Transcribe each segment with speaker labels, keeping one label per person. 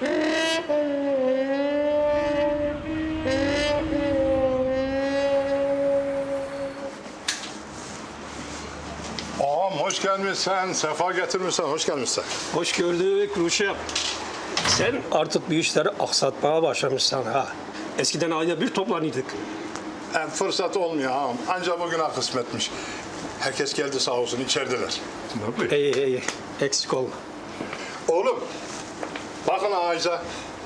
Speaker 1: Ağam hoş gelmişsen, sefa getirmişsen, hoş gelmişsen.
Speaker 2: Hoş gördük Ruşem. Sen artık bir işleri aksatmaya başlamışsın ha. Eskiden ayda bir toplanıyorduk.
Speaker 1: Fırsat olmuyor ağam, ancak bugüne kısmetmiş. Herkes geldi sağ olsun, içerideler.
Speaker 2: İyi, eksik olma.
Speaker 1: Oğlum, bakın ağaca.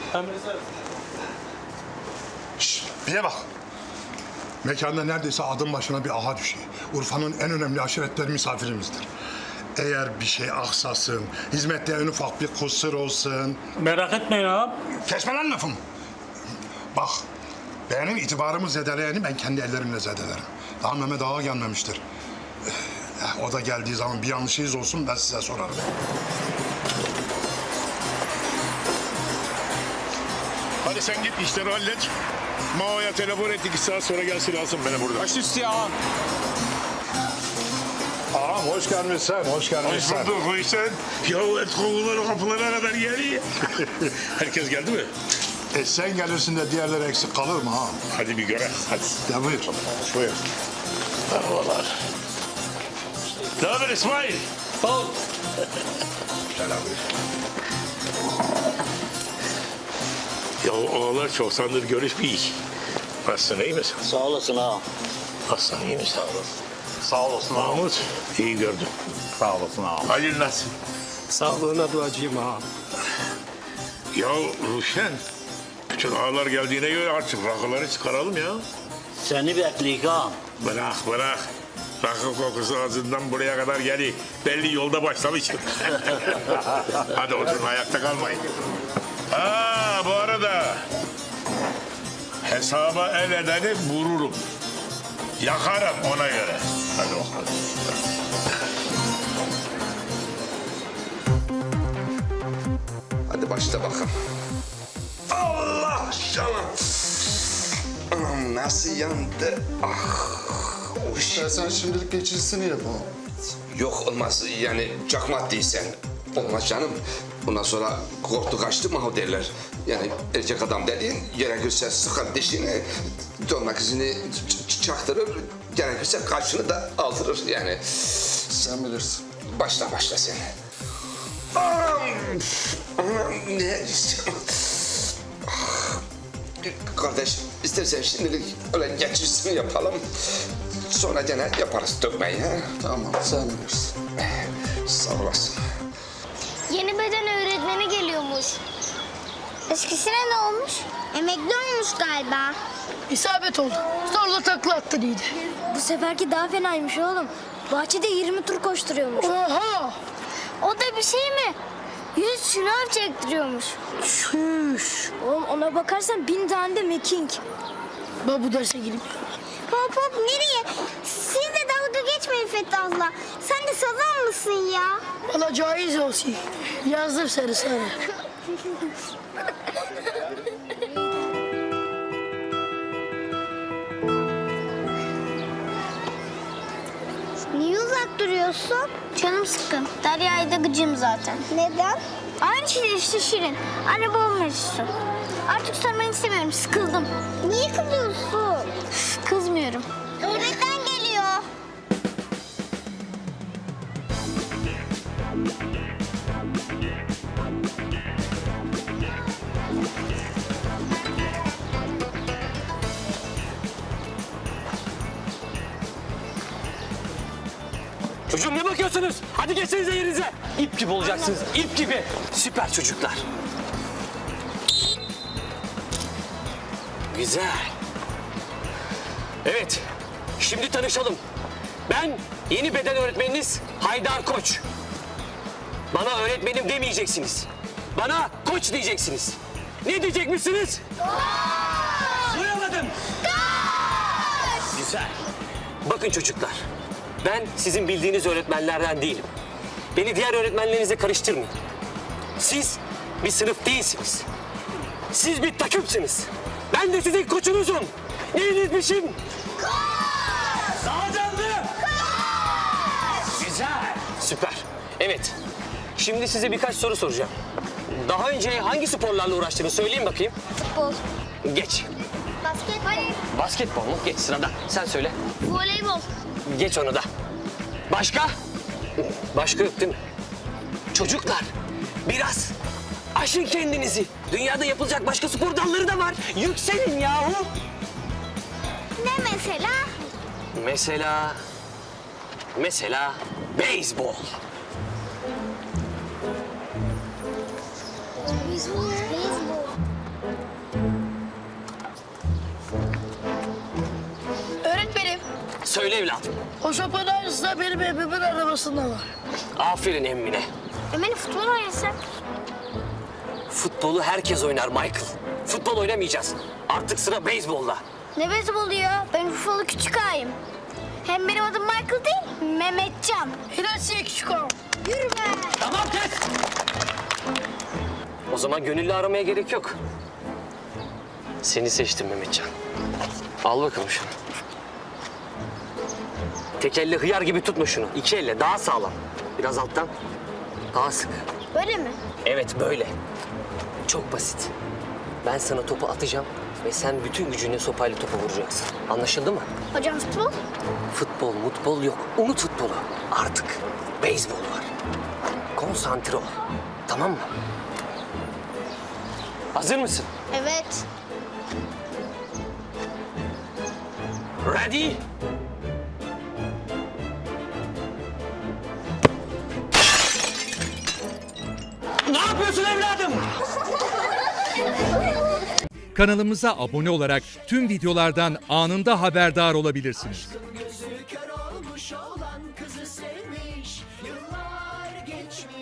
Speaker 1: Şşt, bir bak. Mekanda neredeyse adım başına bir ağa düşüyor. Urfa'nın en önemli aşiretleri misafirimizdir. Eğer bir şey aksasın, hizmette en ufak bir kusur olsun...
Speaker 3: Merak etmeyin ağam.
Speaker 1: Kesme lan lafımı. Bak, benim itibarımı zedeleyeni ben kendi ellerimle zedelerim. Daha Mehmet Ağa gelmemiştir. O da geldiği zaman bir yanlışınız olsun ben size sorarım.
Speaker 4: Hadi sen git işleri hallet. Mao'ya telefon et 2 saat sonra gelsin alsın beni burada.
Speaker 3: Baş üstü ağam.
Speaker 1: Ağam hoş gelmişsin, hoş
Speaker 4: Hoş
Speaker 1: gelmişsin.
Speaker 4: bulduk o işten. Ya et kovuları kapılara kadar geliyor. Herkes geldi mi?
Speaker 1: Sen gelirsin de diğerleri eksik kalır mı ağam?
Speaker 4: Hadi bir göre. Hadi.
Speaker 1: Ya buyur.
Speaker 4: Buyur. Merhabalar. Ne haber İsmail?
Speaker 3: Sağ ol.
Speaker 4: Ya oğlan çok sandır görüşmeyik. Nasılsın iyi misin?
Speaker 5: Sağ olasın ağam.
Speaker 4: Nasılsın iyi misin?
Speaker 5: Sağ olasın ağam.
Speaker 4: Mahmut iyi gördüm.
Speaker 5: Sağ olasın ağam.
Speaker 4: Halil nasıl?
Speaker 2: Sağlığına duacıyım ha.
Speaker 4: Ya Ruşen. Bütün ağalar geldiğine göre artık rakıları çıkaralım ya.
Speaker 5: Seni bekleyik ağam.
Speaker 4: Bırak. Rakı kokusu ağzından buraya kadar geliyor. Belli yolda başlamışım. Hadi oturun ayakta kalmayın. Bu arada hesaba el edeni vururum. Yakarım ona göre. Hadi bakalım.
Speaker 6: Hadi başla bakalım. Allah canım. Anam nasıl yandı?
Speaker 7: Sen şimdilik geçicisini yapalım.
Speaker 6: Yok olmaz yani çakmak değilsen. Olmaz canım. Bundan sonra korktu kaçtı mı o derler. Yani erkek adam dediğin gerekirse sıkar dişini, dönmek izini çaktırır. Gerekirse kaşını da aldırır yani.
Speaker 7: Sen bilirsin.
Speaker 6: Başla sen. Anam ne? Kardeş istersen şimdilik öyle geçicisini yapalım. Sonra gene yaparız dökmeyi. Ha?
Speaker 7: Tamam, sen bilirsin.
Speaker 6: Sağ olasın.
Speaker 8: Yeni beden öğretmeni geliyormuş. Eskisine ne olmuş? Emekli olmuş galiba.
Speaker 9: İsabet oldu. Zorla takla attı iyiydi.
Speaker 8: Bu seferki daha fenaymış oğlum. Bahçede 20 tur koşturuyormuş.
Speaker 9: Oha!
Speaker 8: O da bir şey mi? 100 şınav çektiriyormuş.
Speaker 9: Şuş!
Speaker 8: Oğlum ona bakarsan 1000 tane de mekink.
Speaker 9: Ben bu derse gireyim.
Speaker 8: Hop hop nereye? Siz de dalga geçmeyin Fethullah. Sen de sazan mısın ya?
Speaker 9: Valla caiz olsun. Yazdım seni sana.
Speaker 8: Niye uzak duruyorsun? Canım sıkkın. Derya'yı da gıcığım zaten. Neden? Aynı şey işte Şirin. Anne babam mevzusu. Artık sormanı istemiyorum. Sıkıldım. Niye kızıyorsun? Kızmıyorum. Öğretmen geliyor.
Speaker 3: Çocuğum ne bakıyorsunuz? Hadi geçsenize yerinize. İp gibi olacaksınız. İp gibi. Süper çocuklar. Güzel. Evet. Şimdi tanışalım. Ben yeni beden öğretmeniniz Haydar Koç. Bana öğretmenim demeyeceksiniz. Bana koç diyeceksiniz. Ne diyecekmişsiniz? Koç! Duyamadım. Koç! Güzel. Bakın çocuklar. Ben sizin bildiğiniz öğretmenlerden değilim. Beni diğer öğretmenlerinize karıştırmayın. Siz bir sınıf değilsiniz. Siz bir takımsınız. Ben de sizin koçunuzum. Neyinizmişim? Koç! Daha canlı! Koç! Güzel. Süper. Evet. Şimdi size birkaç soru soracağım. Daha önce hangi sporlarla uğraştığını söyleyeyim bakayım.
Speaker 8: Futbol.
Speaker 3: Geç.
Speaker 8: Basket. Hayır.
Speaker 3: Basketbol mu? Geç sırada. Sen söyle.
Speaker 8: Voleybol.
Speaker 3: Geç onu da. Başka? Başka yok değil mi? Çocuklar biraz aşın kendinizi. Dünyada yapılacak başka spor dalları da var. Yükselin yahu.
Speaker 8: Ne mesela?
Speaker 3: Mesela beyzbol.
Speaker 8: Beyzbol.
Speaker 9: Öğretmenim,
Speaker 3: Söyle evladım.
Speaker 9: o şopanın aynısı da benim evimin arabasında var.
Speaker 3: Aferin emmine.
Speaker 8: Ömer'i futbol oynasak.
Speaker 3: Futbolu herkes oynar Michael. Futbol oynamayacağız. Artık sıra beyzbolda.
Speaker 8: Ne beyzbolu ya? Ben Urfalı küçük ağayım. Hem benim adım Michael değil, Mehmetcan.
Speaker 9: Hilasiye küçük ağam.
Speaker 8: Yürü be.
Speaker 3: Tamam kes. O zaman gönüllü aramaya gerek yok. Seni seçtim Mehmetcan. Al bakalım şunu. Tek elle hıyar gibi tutma şunu. İki elle daha sağlam. Biraz alttan. Daha sık.
Speaker 8: Böyle mi?
Speaker 3: Evet böyle. Çok basit. Ben sana topu atacağım ve sen bütün gücünle sopayla topu vuracaksın. Anlaşıldı mı?
Speaker 8: Hocam futbol?
Speaker 3: Futbol yok. Unut futbolu. Artık beyzbol var. Konsantre ol. Tamam mı? Hazır mısın?
Speaker 8: Evet.
Speaker 3: Ready? Ne yapıyorsun evladım?
Speaker 10: Kanalımıza abone olarak tüm videolardan anında haberdar olabilirsiniz.